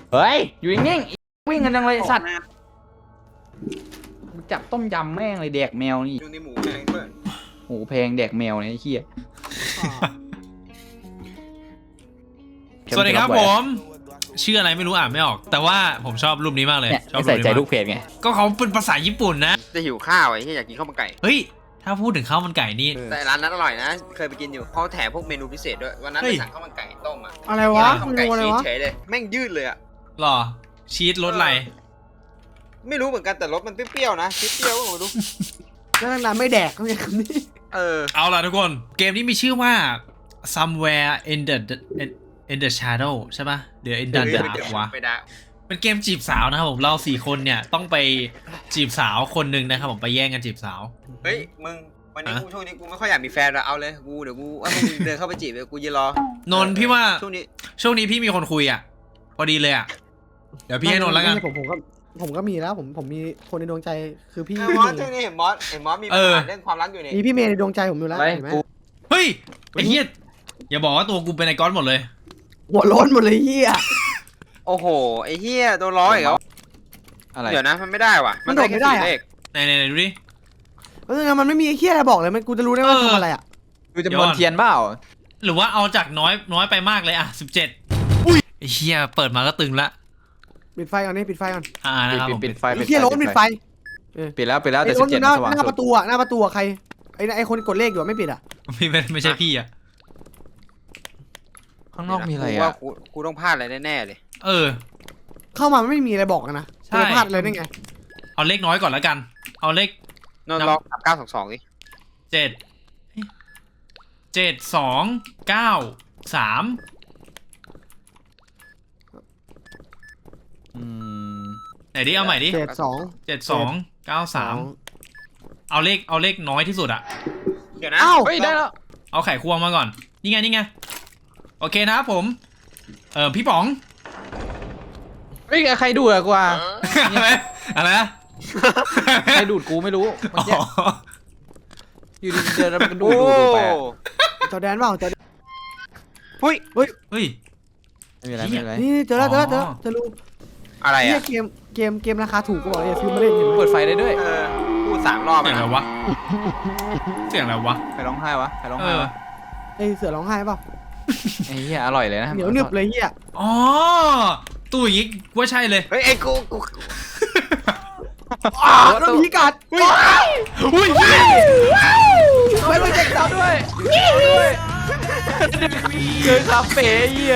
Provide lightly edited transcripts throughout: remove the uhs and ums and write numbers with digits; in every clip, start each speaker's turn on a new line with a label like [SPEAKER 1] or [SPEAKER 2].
[SPEAKER 1] เฮ้ยอยู่นิ่งๆวิ่งกันจังเลยสัตว์จับต้มยำแม่งเลยแดกแมวนี่
[SPEAKER 2] ดูในหมูแพงด้วย
[SPEAKER 1] หมูแพงแดกแมวเนี่ยไอ้เหี้ย
[SPEAKER 3] สวัสดีครับผมชื่ออะไรไม่รู้อ่านไม่ออก แต่ว่าผมชอบรูปนี้มากเลย
[SPEAKER 1] เนี่ย
[SPEAKER 3] ชอบ
[SPEAKER 1] ใส่ใจลู
[SPEAKER 3] รู
[SPEAKER 1] ก
[SPEAKER 3] ป
[SPEAKER 1] เพจไง
[SPEAKER 3] ก็เขาเป็นภาษาญี่ปุ่นนะ
[SPEAKER 2] จะหิวข้าวไอ้ที่อยากกินข้าวมันไก่
[SPEAKER 3] เฮ้ยถ้าพูดถึงข้าวมันไก่นี่
[SPEAKER 2] แต่ร้านนั้นอร่อยนะ เคยไปกินอยู่เขาแถมพวกเมนูพิเศษด้วยวันนั้น
[SPEAKER 3] เฮ้
[SPEAKER 2] ไป
[SPEAKER 3] ย
[SPEAKER 2] สั่งข้าวมันไก่ต้มอ่ะ
[SPEAKER 4] อะไรวะ
[SPEAKER 2] ข้าว
[SPEAKER 4] เม
[SPEAKER 2] มันไก่
[SPEAKER 4] นูอะไร
[SPEAKER 2] ชีส
[SPEAKER 4] วะ
[SPEAKER 2] เฉยเลยแม่งยืดเลยอ่ะ
[SPEAKER 3] หรอชีสรสอะไร
[SPEAKER 2] ไม่รู้เหมือนกันแต่รสมันเปรี้ยวๆนะชีสเปรี้ยวก็ไม่รู้
[SPEAKER 4] แล้วนานๆไม่แดกเขาอย่างนี้
[SPEAKER 3] เอาล่ะทุกคนเกมนี้มีชื่อว่า somewhere in the shadow ใช่ปะเดี๋ยว in the
[SPEAKER 2] เดี๋ยว
[SPEAKER 3] dark วะ
[SPEAKER 2] ไปได้
[SPEAKER 3] เป็นเกมจีบสาวนะครับผมเรา4คนเนี่ยต้องไปจีบสาวคนหนึ่งนะครับผมไปแย่งกันจีบสาว
[SPEAKER 2] เฮ้ยมึงวันนี้
[SPEAKER 3] ฮะ
[SPEAKER 2] กูช่วงนี้กูไม่ค่อยอยากมีแฟนแล้วเอาเลยกูเดี๋ยวกูว่ามึงเดินเข้าไปจีบเลยกูยืนรอน
[SPEAKER 3] นท์พี่ว่า
[SPEAKER 2] ช่วงนี้
[SPEAKER 3] ช่วงนี้พี่มีคนคุยอ่ะพอดีเลยอ่ะเดี๋ยวพี่ให้นนท์แล้วกัน
[SPEAKER 4] ผมก็มีแล้วผมมีคนในดวงใจคือพี่
[SPEAKER 2] ไอ้
[SPEAKER 4] พี่
[SPEAKER 2] มอส
[SPEAKER 4] เม
[SPEAKER 2] ช่วง
[SPEAKER 4] ย์
[SPEAKER 2] นี้เห็นมอสมีปัญหาเรื่องความรักอยู่นี่
[SPEAKER 4] มีพี่เมย์ในดวงใจผมอยู่แล้ว
[SPEAKER 1] อะไร
[SPEAKER 4] เห็นไหม
[SPEAKER 1] กู
[SPEAKER 3] เฮ้ยไอ้เหี้ยอย่าบอกว่าตัวกูเป็นไอก้อนหมดเลย
[SPEAKER 4] หัวโล้นหมดเลยเฮีย
[SPEAKER 2] โอ้โหไอ้เหี้ยตัวร้อยอีกแล้ว
[SPEAKER 1] อะไร
[SPEAKER 2] เดี๋ยวนะมันไม่ได้ว่ะมันได้แค่สี่เลข
[SPEAKER 3] ไหนดูดิ
[SPEAKER 4] เพราะงั้นมันไม่มีไอ้เฮียอะไรบอกเลยมันกูจะรู้ได้ว่าทำอะไรอ่ะ
[SPEAKER 1] ดูจำนวนเทียนเปล่า
[SPEAKER 3] หรือว่าเอาจากน้อยไปมากเลยอ่ะ17อุ้ยไอ้เหี้ยเปิดมาก็ตึงละ
[SPEAKER 4] ปิดไฟก่อนนี่ปิดไฟก่อน
[SPEAKER 3] นะครับผม
[SPEAKER 1] ปิดไฟ
[SPEAKER 4] ไอ้เฮียโล้นปิดไฟ
[SPEAKER 1] ปิดแล้วแต่
[SPEAKER 4] ไอ้
[SPEAKER 1] สิ
[SPEAKER 4] โล้
[SPEAKER 1] บ
[SPEAKER 4] นอ
[SPEAKER 1] เจ็ด
[SPEAKER 4] ยู่หน้า
[SPEAKER 1] สว่าง
[SPEAKER 4] หน้า
[SPEAKER 1] สุ
[SPEAKER 4] ป
[SPEAKER 1] ด
[SPEAKER 4] ระตูอะหน้าประตูอะใครไอ้คนกดเลขอยู่ไม่ปิดอ่ะ
[SPEAKER 3] ไม่ใช่พี่อ่ะ
[SPEAKER 1] ข้างนอกมีอะไร
[SPEAKER 2] กูว่า
[SPEAKER 1] อ่ะ
[SPEAKER 2] กูต้องพลาดอะไรแน่ๆเลย
[SPEAKER 3] เออ
[SPEAKER 4] เข้ามามันไม่มีอะไรบอกกันนะ
[SPEAKER 3] ใช่
[SPEAKER 4] จะพลาดอะไรได้ไง
[SPEAKER 3] เอาเลขน้อยก่อนแล้วกัน เอาเลข
[SPEAKER 2] นอนล็อก922ดิ
[SPEAKER 3] 7 7 2 9 3
[SPEAKER 1] อืม
[SPEAKER 3] ไหนดิเอาใหม่ดิ
[SPEAKER 4] 7 2
[SPEAKER 3] 7 2 9 3เอาเลขน้อยที่สุดอะ
[SPEAKER 2] เดี๋ยวนะ
[SPEAKER 4] เอ้า
[SPEAKER 1] เฮ้ยได้แล้ว
[SPEAKER 3] เอาไข่ควงมาก่อนนี่ไงโอเคนะครับผมพี่ป๋อง
[SPEAKER 1] เฮ้ยใครดูดอะกูอ่ะ
[SPEAKER 3] อะไรนะ
[SPEAKER 1] ใครดูดกูไม่รู้เมื่อกี้
[SPEAKER 3] อ๋อ
[SPEAKER 1] อยู่ดีๆเดินแล้วมันก็ดู
[SPEAKER 2] โอ้
[SPEAKER 1] ดไปอะ
[SPEAKER 4] จอแดนเปล่าจอแดน
[SPEAKER 2] เฮ้ย
[SPEAKER 3] เฮ้ย
[SPEAKER 1] ไม่มีอะไรไม่มีอะไร
[SPEAKER 4] นี่เจอแล้วจะรู้
[SPEAKER 2] อะไร
[SPEAKER 4] เฮีย
[SPEAKER 2] อ่ะ
[SPEAKER 4] เกมราคาถูกก็บอกเลยฟิลมาเล่นเห็นไหม
[SPEAKER 1] เปิดไฟได้ด้วย
[SPEAKER 2] พูด3 รอบ
[SPEAKER 3] เสียงอะไร
[SPEAKER 2] นะ
[SPEAKER 3] วะเสียงอะไรวะ
[SPEAKER 1] ใครร้องไห้วะใครร้องไห้วะ
[SPEAKER 4] ไอเสือร้องไห้เปล่า
[SPEAKER 1] ไอ้เหี้ยอร่อยเลยนะ
[SPEAKER 4] เหนียวหนึบเลยเฮีย
[SPEAKER 3] อ๋อตู้อย่างงี้ว่าใช่เลย
[SPEAKER 2] เฮ้ยไอ้กู
[SPEAKER 4] แล้วพีกัด
[SPEAKER 3] อุ้ย
[SPEAKER 4] ไม่ต้องเจ็บจับด้วย
[SPEAKER 1] เจอคาเฟ่เหี้ย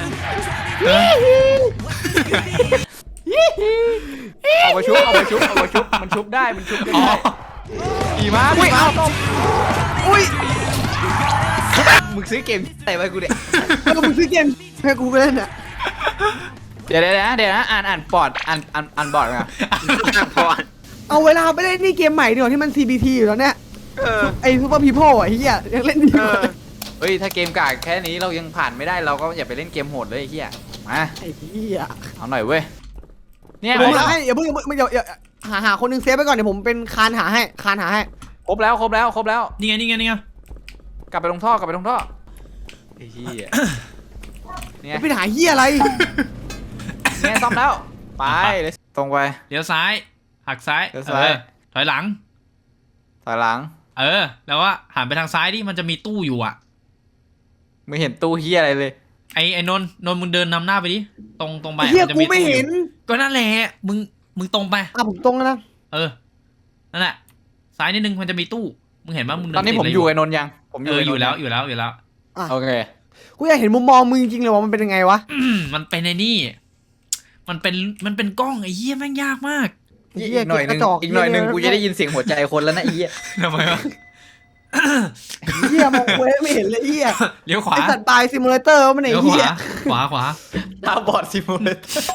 [SPEAKER 1] เอามาชุบมันชุบได้มันชุบ
[SPEAKER 3] อ๋อ
[SPEAKER 1] ได้ขี่ม้าต้ม
[SPEAKER 4] อุ้ย
[SPEAKER 1] มึงซื้อเกมไหนมากูเนี่ย
[SPEAKER 4] แล้วมึงซื้อเกมให้กูไปเล่นอ่ะ
[SPEAKER 1] เดี๋ยวนะอ่านปอดอ่านบอร์ดมา
[SPEAKER 2] พอ
[SPEAKER 4] เอาเวลาไปเล่นนี่เกมใหม่ดีกว่าที่มัน CBT อยู่แล้วเนี่ยไอซูเปอร์พีโพอ่ะเฮียยังเล่นดีกว่า
[SPEAKER 1] เฮ้ยถ้าเกมกากแค่นี้เรายังผ่านไม่ได้เราก็อย่าไปเล่นเกมโหดเลยไอ้เหี้ยมา
[SPEAKER 4] ไอ้เฮีย
[SPEAKER 1] เอาหน่อยเว้ยเนี่ย
[SPEAKER 4] ผมให้อย่าเพิ่งอย่าหาคนนึงเซฟไปก่อนเดี๋ยวผมเป็นคานหาให้
[SPEAKER 1] ครบแล้ว
[SPEAKER 3] นี่ไง
[SPEAKER 1] กลับไปลงท่อไอ้เหี้ยเนี่ย
[SPEAKER 4] ไปหาเฮียอะไร
[SPEAKER 1] เนี่ยซ่อมแล้วไปเลยตรงไป
[SPEAKER 3] เดี๋ยวซ้ายหักซ้าย
[SPEAKER 1] เดี๋ยวซ้าย
[SPEAKER 3] ถอยหลัง
[SPEAKER 1] ถอยหลัง
[SPEAKER 3] แล้วว่าหันไปทางซ้ายดิมันจะมีตู้อยู่อ่ะ
[SPEAKER 1] ไม่เห็นตู้เหี้ยอะไรเลย
[SPEAKER 3] ไอ้นนท์มึงเดินนำหน้าไปดิตรงไป
[SPEAKER 4] เฮีย
[SPEAKER 3] จะ
[SPEAKER 4] กูไม่
[SPEAKER 3] ตู้อ
[SPEAKER 4] เห็
[SPEAKER 3] ยู่
[SPEAKER 4] น
[SPEAKER 3] ก็นั่นแหละมึงตรงไป
[SPEAKER 4] ผมตรงแล้วนะ
[SPEAKER 3] นั่นแหละซ้ายนิดนึงมันจะมีตู้มึงเห็นป่ะมึงเดิ
[SPEAKER 1] ตอนนี้
[SPEAKER 3] ติด
[SPEAKER 1] ผม
[SPEAKER 3] ะไร
[SPEAKER 1] อยู่ไอ้นนท์ยังผม
[SPEAKER 3] อยู่แล้ว
[SPEAKER 1] โอเค
[SPEAKER 4] กูอยากเห็นมุมมองมึงจริงๆเลยว่ามันเป็นยังไงวะ
[SPEAKER 3] มันเป็นไอ้นี่มันเป็นกล้องไอ้เหี้ยแม่งยากมาก
[SPEAKER 1] อีกหน่อยนึงกูจะได้ยินเสียงหัวใจคนแล้วนะไอ้เหี้ย
[SPEAKER 3] ทำไมวะ
[SPEAKER 4] เฮียมองกูไม่เห็นเลยเฮีย
[SPEAKER 3] เลี้ยวขวา
[SPEAKER 4] ไอสัตว์ตายซิมูเลเตอร์มันไอ้
[SPEAKER 3] เลี้ยว
[SPEAKER 4] เฮีย
[SPEAKER 3] ขวา
[SPEAKER 1] ตาบอดซิมูเลเตอร์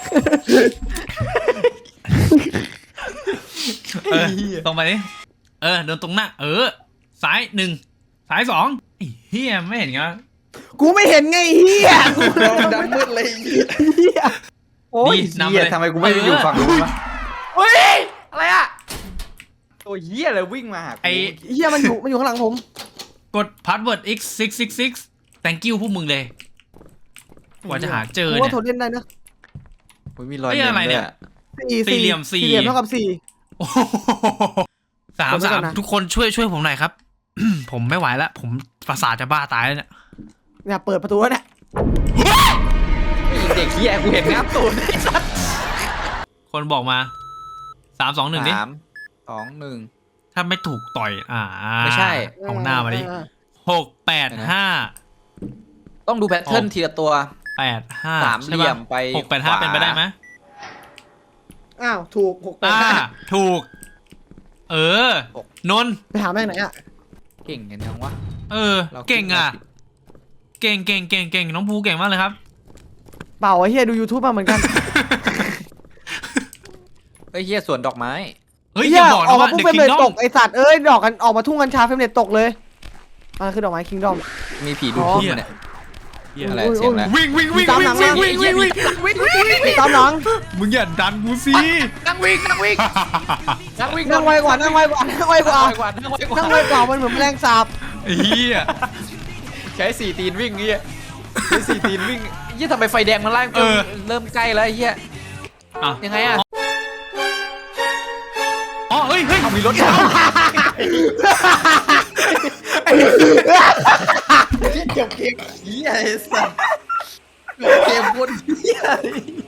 [SPEAKER 3] ตรงไปดิเดินตรงหน้าซ้าย1ซ้าย2ไอ้เหี้ยไม่เห็นไง
[SPEAKER 4] กูไม่เห็นไงเฮีย
[SPEAKER 1] ดำมืดเลย
[SPEAKER 4] เฮีย
[SPEAKER 1] โอ้ยเหี้ยทำไมกูไม่ได้อยู่ฝั่งนู้นวะเฮ้ยอะไรอะตัวเหี้ยอะไรวิ่งมาหากู
[SPEAKER 3] ไอ้
[SPEAKER 4] เฮียมันอยู่ข้างหลังผม
[SPEAKER 3] กด password x666 thank you พวกมึงเลยกว่าจะหาเจอ
[SPEAKER 4] กู
[SPEAKER 3] เนี่
[SPEAKER 4] ว่าย ทนเล่นได้นะ
[SPEAKER 1] มีรอย
[SPEAKER 3] เฮ้ยอะไรเนี่ย สี่เหลี่ยม
[SPEAKER 4] สี่เหลี่ยมเท่ากับ4
[SPEAKER 3] โอ้โหสาม
[SPEAKER 4] ผมไม่ก่อนนะ
[SPEAKER 3] ทุกคนช่วยผมหน่อยครับ ผมไม่ไหวแล้วผมประสาทจะบ้าตายแล้วเนี่ย
[SPEAKER 4] เนี่ยเปิดประตูแล้วเนี่ย
[SPEAKER 1] เด็กเฮียกูเห็นงับตูด
[SPEAKER 3] คนบอกมา3 2 1ดิ
[SPEAKER 1] 3 2 1
[SPEAKER 3] ถ้าไม่ถูกต่อย
[SPEAKER 1] ไม่ใช่
[SPEAKER 3] เอาหน้ามาดิ6 8
[SPEAKER 1] ต้องดูแพทเทิร์นทีละตัว
[SPEAKER 3] 5 8 5
[SPEAKER 1] สามเหลี่ยมไป
[SPEAKER 3] 6 8 5เป็นไปได้ไหม
[SPEAKER 4] อ้าวถูก6
[SPEAKER 3] อ่า
[SPEAKER 4] 8 5
[SPEAKER 3] ถูก นนท์
[SPEAKER 4] ไปหาแม่งไหนอ่ะ
[SPEAKER 1] เก่งกันยังวะ เรา
[SPEAKER 3] เก่งอ่ะ เก่งน้องภูเก่งมากเลยครับ
[SPEAKER 4] เปล่าไอ้เฮียดู YouTube มาเหมือนกัน
[SPEAKER 1] เฮ้ยเฮียสวนดอกไม้
[SPEAKER 3] เฮ้ย
[SPEAKER 4] เฮี
[SPEAKER 3] อย่าบอก
[SPEAKER 4] ออ
[SPEAKER 3] นะ
[SPEAKER 4] กมา
[SPEAKER 3] ว่า
[SPEAKER 4] ปุ๊บ
[SPEAKER 3] The
[SPEAKER 4] เฟรมเรทต
[SPEAKER 3] Kingdom
[SPEAKER 4] กไอสัตว์เอ้ยดอกกันออกมาทุ่งกัญชาเฟรมเรทตกเลยอะไรคือดอกไม้คิงดอม
[SPEAKER 1] มีผีดู
[SPEAKER 4] อ๋อ
[SPEAKER 1] พุ่มเนี่ยอะไรเสียงอะไร
[SPEAKER 3] วิ่ง
[SPEAKER 4] ตามหลังมา ตามหลัง
[SPEAKER 3] มึงอย่าดันกูสิ
[SPEAKER 1] นั่งวิ่ง
[SPEAKER 4] นั่งไวกว่านั่งไวกว่านั่งไวกว่านั่งไวกว่ามันเหมือนแมลงสาบ
[SPEAKER 3] ไอ้เหี้ย
[SPEAKER 1] ใช้4 ตีนวิ่งเฮียใช้4 ตีนวิ่งเฮียทำไมไฟแดงมันไล่เริ่มใกล้แล้วเฮีย
[SPEAKER 3] อ่ะ
[SPEAKER 1] ยังไงอะ
[SPEAKER 3] อ๋อเฮ้ย
[SPEAKER 1] มีรถจบเกมเฮียไอ้สัสจบเกมบนเฮีย